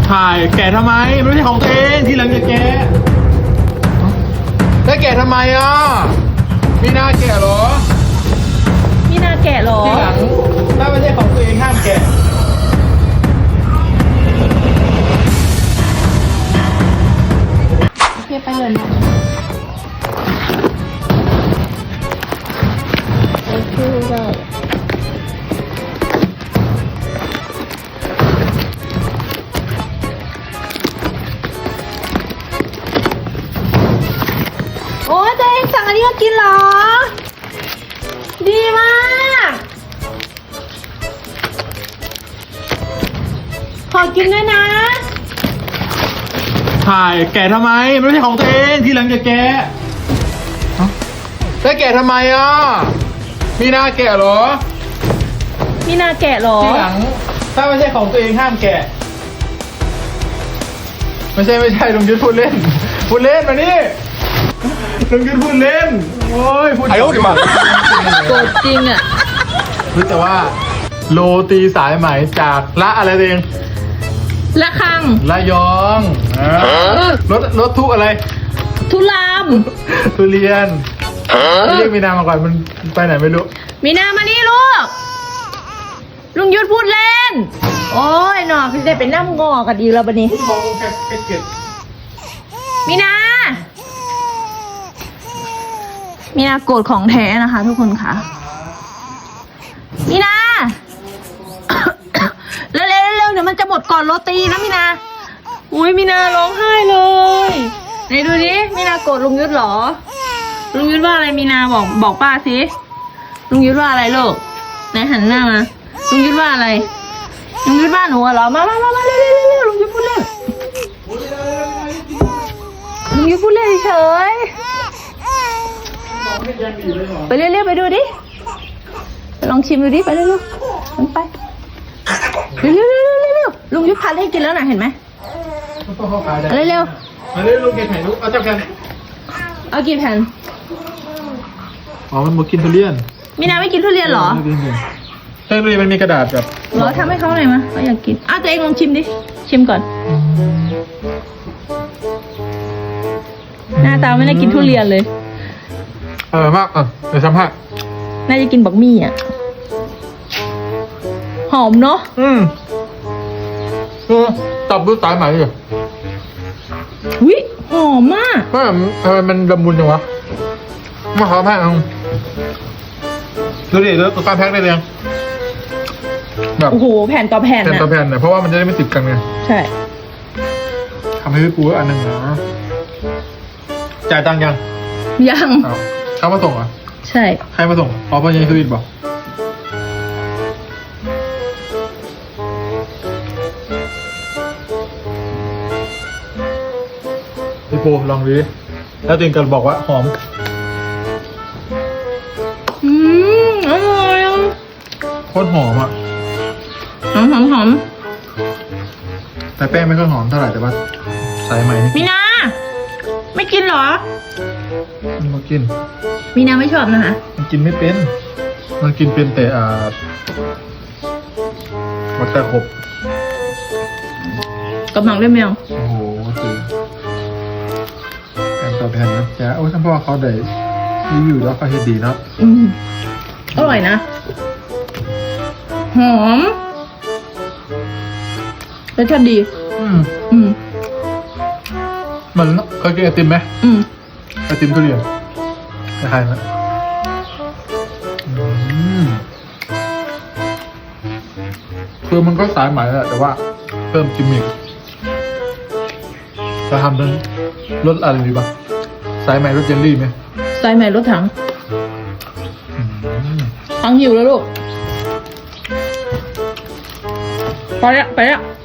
ถ่ายแกะทำไมไม่ใช่ของตัวเองที่หลังจะแกะแล้วแกะทำไมอ่ะมีหน้าแกะเหรอมีนาแกะเหรอที่หลังถ้าไม่ใช่ของตัวเองห้ามแกะโอเคไปเลยนะโอเคได้โอ้ยตัวเองสั่งอันนี้ก็กินเหรอ ดีมาก ขอกินด้วยนะถ่ายแกะทำไมไม่ใช่ของตัวเองที่หลังจะแกะแล้วแกะทำไมอ่ะมีหน้าแกะเหรอมีนาแกะเหรอที่หลังถ้าไม่ใช่ของตัวเองห้ามแกะไม่ใช่ลุงยุทธพูดเล่นมานี่ลุงยุทธพูดเล่นโอ้ยพูดไอ้โอ้ดิมาโกรธจริงอ่ะรู้แต่ว่าโรตีสายไหมจากละอะไรตัวเองละคังระยองรถทุกอะไรทุลามทุเรียนเรียกมีนามาก่อนมันไปไหนไม่รู้มีนามานี่ลูก ลุงยุทธพูดเล่น โอ้ยหนอคือได้เป็นน้ำงอกันดีแล้วบันนี้มองแค่เก็บมีนา มีนาโกรธของแท้นะคะ ทุกคนค่ะ มีนา เร็วเดี๋ยวมันจะหมดก่อนโรตีนะมีนา อุ้ยมีนาร้องไห้เลยไหนดูดิมีนาโกรธลุงยุทธเหรอ ลุงยุทธว่าอะไรมีนาบอกป้าสิลุงยุทธว่าอะไรลูกไหนหันหน้ามาลุงยุทธว่าอะไรลุงยุทธว่าหนูเหรอมาเร็วลุงยุทธพูดเล่นลุงยุทธพูดเล่นเฉยไปเร็วไปดูดิไปลองชิมดูดิไปเร็วมันไปเร็วลุงยุทธพันให้กินแล้วนะเห็นไหมเร็วมาเร็วลุงเก็บไข่ลูกเอาจับกันเอากี่แผ่นอ๋อมันบอกกินทุเรียนมีนาไม่กินทุเรียนเหรอใช่ทุเรียนมันมีกระดาษแบบเหรอทำให้เขาหน่อยมาเขาอยากกินอ้าวตัวเองลองชิมดิชิมก่อนหน้าตาไม่ได้กินทุเรียนเลยมากเดี๋ยวสัมภาษณ์น่าจะกินบักมี่อ่ะหอมเนาะตอบดูสายไหมดิวิหอมมากว่ามันละมุนจังวะมาขอแพ็คดูดิแล้วการแพ็คได้เลยแบบโอ้โหแผ่นต่อแผ่นแผ่นอ่ะต่อแผ่นเนี่ยเพราะว่ามันจะได้ไม่ติดกันไงใช่ทำให้พี่ปูอันหนึ่งนะจ่ายตังค์ยังยังเขามาส่งเหรอใช่ใครมาส่งอ๋อพ่อยังสวีทบอกพี่ปูลองดูดิแล้วตัวเองก็บอกว่าหอมอร่อยอ่ะโคตรหอมอ่ะหอมแต่แป้งไม่ค่อยหอมเท่าไหร่แต่ว่าสายไหมนี่มีนาไม่กินเหรอมันก็กินมีนาไม่ชอบนะคะมันกินไม่เป็น มันกินเป็นแต่วัตถุขบกับหมังด้วยแมวโอ้โหคือแผ่นต่อแผ่นนะจ๊ะโอ้ยท่านพ่อเขาได้รีวิวแล้วเขาเฮ็ดดีเนาะอร่อยนะ หอมรสชาติดีมันเคยกินไอติมไหมไอติมทุเรียนคล้ายๆไหมคือมันก็สายไหมแหละแต่ว่าเพิ่มกิมมิคจะทำเป็นรสอะไรดีป่ะสายไหมรสเจลลี่ไหมใส่ใหม่รถถังถังหิวแล้วลูก ไปแล้ว